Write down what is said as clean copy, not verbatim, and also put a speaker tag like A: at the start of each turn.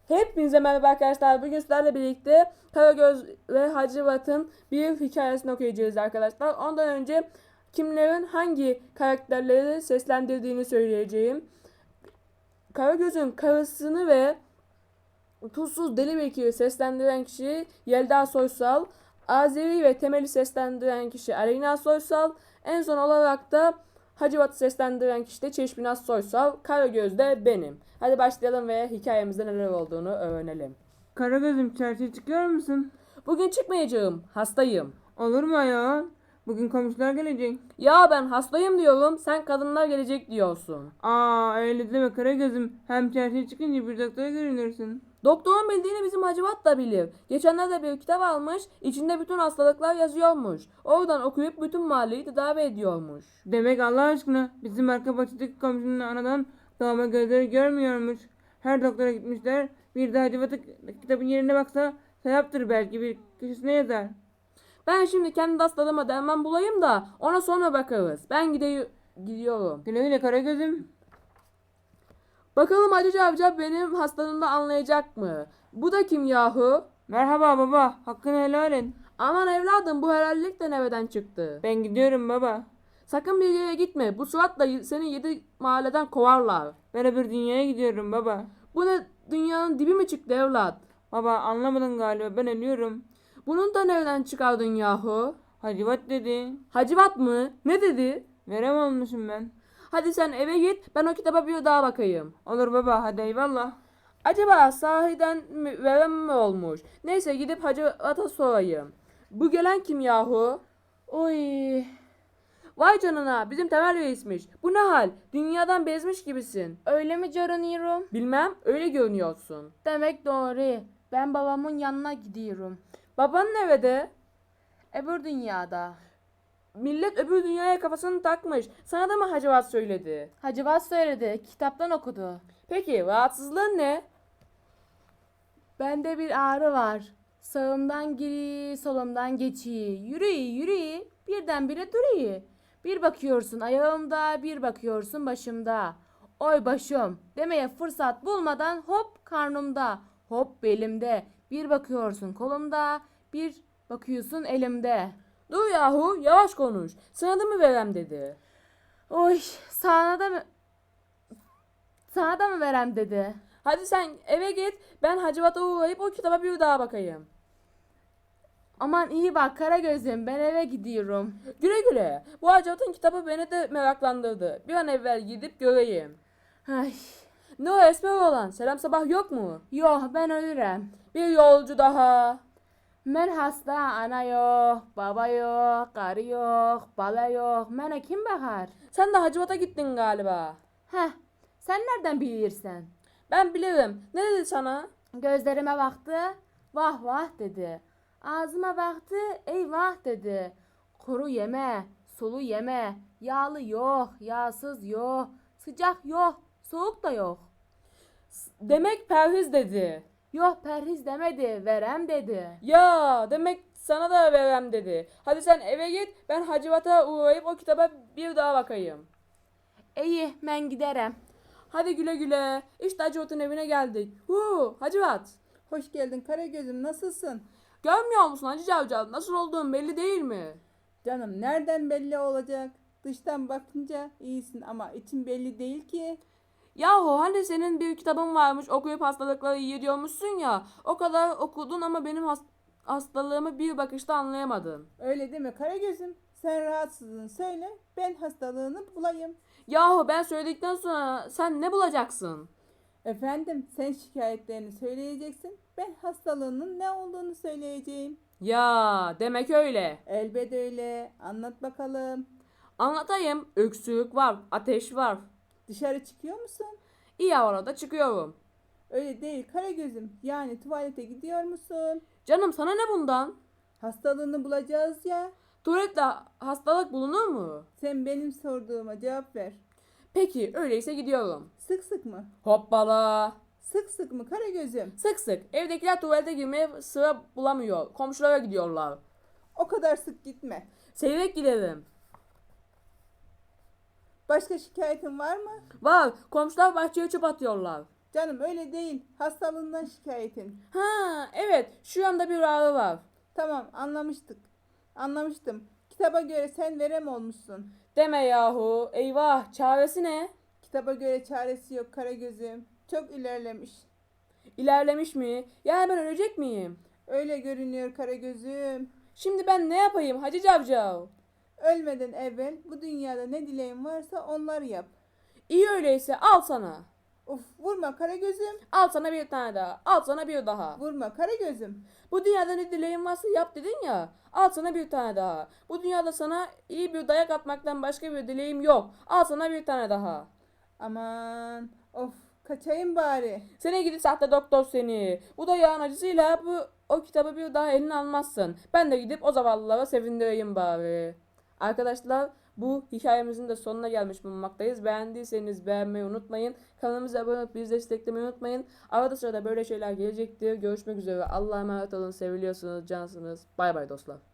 A: Hepinize merhaba arkadaşlar. Bugün sizlerle birlikte Karagöz ve Hacivat'ın bir hikayesini okuyacağız arkadaşlar. Ondan önce kimlerin hangi karakterleri seslendirdiğini söyleyeceğim. Karagöz'ün karısını ve Tuzsuz Deli Bekir'i seslendiren kişi Yelda Soysal. Azeri ve Temel'i seslendiren kişi Aleyna Soysal. En son olarak da Hacivat'ı seslendiren kişi de Çeşminaz Soysal. Karagöz de benim. Hadi başlayalım ve hikayemizde neler olduğunu öğrenelim.
B: Karagöz'üm çarşıya çıkıyor musun?
A: Bugün çıkmayacağım. Hastayım.
B: Olur mu ya? Bugün komşular gelecek.
A: Ya ben hastayım diyorum. Sen kadınlar gelecek diyorsun.
B: Öyle deme Karagöz'üm. Hem çarşıya çıkınca bir doktora görünürsün.
A: Doktorun bildiğini bizim Hacivat da bilir. Geçenlerde bir kitap almış. İçinde bütün hastalıklar yazıyormuş. Oradan okuyup bütün mahalleyi tedavi ediyormuş.
B: Demek Allah aşkına bizim arka bahçedeki komşunun anadan doğma gözleri görmüyormuş. Her doktora gitmişler. Bir de Hacivat'ı kitabın yerine baksa sevaptır belki bir köşesine yazar.
A: Ben şimdi kendi hastalığıma derman bulayım da ona sonra bakarız. Ben gidiyorum.
B: Güle güle Karagöz'üm.
A: Bakalım Hacı Cavcav benim hastalığımda anlayacak mı? Bu da kim yahu?
B: Merhaba baba. Hakkını helal et.
A: Aman evladım bu helallik de nereden çıktı?
B: Ben gidiyorum baba.
A: Sakın bir yere gitme. Bu suratla seni 7 mahalleden kovarlar.
B: Ben öbür dünyaya gidiyorum baba.
A: Bu ne dünyanın dibi mi çıktı evlat?
B: Baba anlamadın galiba ben ölüyorum.
A: Bunun da nereden çıkardın yahu?
B: Hacivat dedi.
A: Hacivat mı? Ne dedi?
B: Verem olmuşum ben.
A: Hadi sen eve git ben o kitaba bir daha bakayım.
B: Olur baba hadi eyvallah.
A: Acaba sahiden mi, veren mi olmuş? Neyse gidip Hacivat'a sorayım. Bu gelen kim yahu?
B: Oy.
A: Vay canına bizim Temel Reis'miş. Bu ne hal? Dünyadan bezmiş gibisin.
C: Öyle mi görünüyorum?
A: Bilmem öyle görünüyorsun.
C: Demek doğru. Ben babamın yanına gidiyorum.
A: Baban nerede?
C: Öbür dünyada.
A: Millet öbür dünyaya kafasını takmış. Sana da mı Hacivat söyledi?
C: Hacivat söyledi. Kitaptan okudu.
A: Peki rahatsızlığın ne?
C: Bende bir ağrı var. Sağımdan giri, solumdan geçiyi. Yürüyü, yürüyü. Birdenbire duruyor. Bir bakıyorsun ayağımda, bir bakıyorsun başımda. Oy başım demeye fırsat bulmadan hop karnımda, hop belimde. Bir bakıyorsun kolumda, bir bakıyorsun elimde.
A: Dur yahu yavaş konuş. Sana da mı verem dedi.
C: Oy sana da mı verem dedi.
A: Hadi sen eve git. Ben Hacivat'a uğrayıp o kitaba bir daha bakayım.
C: Aman iyi bak Karagöz'üm ben eve gidiyorum.
A: Güle güle. Bu Hacivat'ın kitabı beni de meraklandırdı. Bir an evvel gidip göreyim.
C: Ay,
A: Ne o esmer olan? Selam sabah yok mu?
C: yok ben ölürüm.
A: Bir yolcu daha.
C: Ben hasta ana yok, baba yok, karı yok, bala yok. Bana kim bakar?
A: Sen de Hacivat'a gittin galiba.
C: Heh, sen nereden bilirsin?
A: Ben bilirim. Ne dedi sana?
C: Gözlerime baktı, vah vah dedi. Ağzıma baktı, eyvah dedi. Kuru yeme, sulu yeme, yağlı yok, yağsız yok, sıcak yok, soğuk da yok.
A: Demek perhiz dedi.
C: Yok perhiz demedi, verem dedi.
A: Ya demek sana da verem dedi. Hadi sen eve git. Ben Hacivat'a uğrayıp o kitaba bir daha bakayım.
C: İyi, ben giderim.
A: Hadi güle güle. İşte Hacivat'ın evine geldik. Hacivat.
D: Hoş geldin Karagöz'üm, nasılsın?
A: Görmüyor musun Hacı Cavcav? Nasıl olduğun belli değil mi?
D: Canım nereden belli olacak? Dıştan bakınca iyisin ama için belli değil ki.
A: Yahu hani senin bir kitabın varmış okuyup hastalıkları iyi diyormuşsun ya. O kadar okudun ama benim hastalığımı bir bakışta anlayamadın.
D: Öyle deme Karagöz'üm. Sen rahatsızlığını söyle, ben hastalığını bulayım.
A: Yahu ben söyledikten sonra sen ne bulacaksın?
D: Efendim sen şikayetlerini söyleyeceksin. Ben hastalığının ne olduğunu söyleyeceğim.
A: Ya demek öyle.
D: Elbet öyle. Anlat bakalım.
A: Anlatayım. Öksürük var, ateş var.
D: Dışarı çıkıyor musun?
A: İyi arada çıkıyorum.
D: Öyle değil Karagöz'üm. Yani tuvalete gidiyor musun?
A: Canım sana ne bundan?
D: Hastalığını bulacağız ya.
A: Tuvalette hastalık bulunur mu?
D: Sen benim sorduğuma cevap ver.
A: Peki öyleyse gidiyorum.
D: Sık sık mı?
A: Hoppala.
D: Sık sık mı Karagöz'üm?
A: Sık sık. Evdekiler tuvalete girmeye sıra bulamıyor. Komşulara gidiyorlar.
D: O kadar sık gitme.
A: Seyrek giderim.
D: Başka şikayetin var mı?
A: Var. Komşular bahçeye çöp atıyorlar.
D: Canım öyle değil. Hastalığından şikayetin.
A: Ha evet, şu anda bir ağrı var.
D: Tamam anlamıştım. Kitaba göre sen verem olmuşsun.
A: Deme yahu. Eyvah, çaresi ne?
D: Kitaba göre çaresi yok Karagöz'üm. Çok ilerlemiş.
A: İlerlemiş mi? Yani ben ölecek miyim?
D: Öyle görünüyor Karagöz'üm.
A: Şimdi ben ne yapayım Hacı Cavcav?
D: Ölmeden evvel bu dünyada ne dileğin varsa onları yap.
A: İyi öyleyse al sana.
D: Uf vurma Karagöz'üm.
A: Al sana bir tane daha. Al sana bir daha.
D: Vurma Karagöz'üm.
A: Bu dünyada ne dileğin varsa yap dedin ya. Al sana bir tane daha. Bu dünyada sana iyi bir dayak atmaktan başka bir dileğim yok. Al sana bir tane daha.
D: Aman of kaçayım bari.
A: Seni gidi sahte doktor seni. Bu dayağın acısıyla o kitabı bir daha eline almazsın. Ben de gidip o zavallılara sevindireyim bari. Arkadaşlar, bu hikayemizin de sonuna gelmiş bulunmaktayız. Beğendiyseniz beğenmeyi unutmayın. Kanalımıza abone olup bizi desteklemeyi unutmayın. Arada sırada böyle şeyler gelecektir. Görüşmek üzere. Allah'a emanet olun. Seviliyorsunuz. Cansınız. Bay bay dostlar.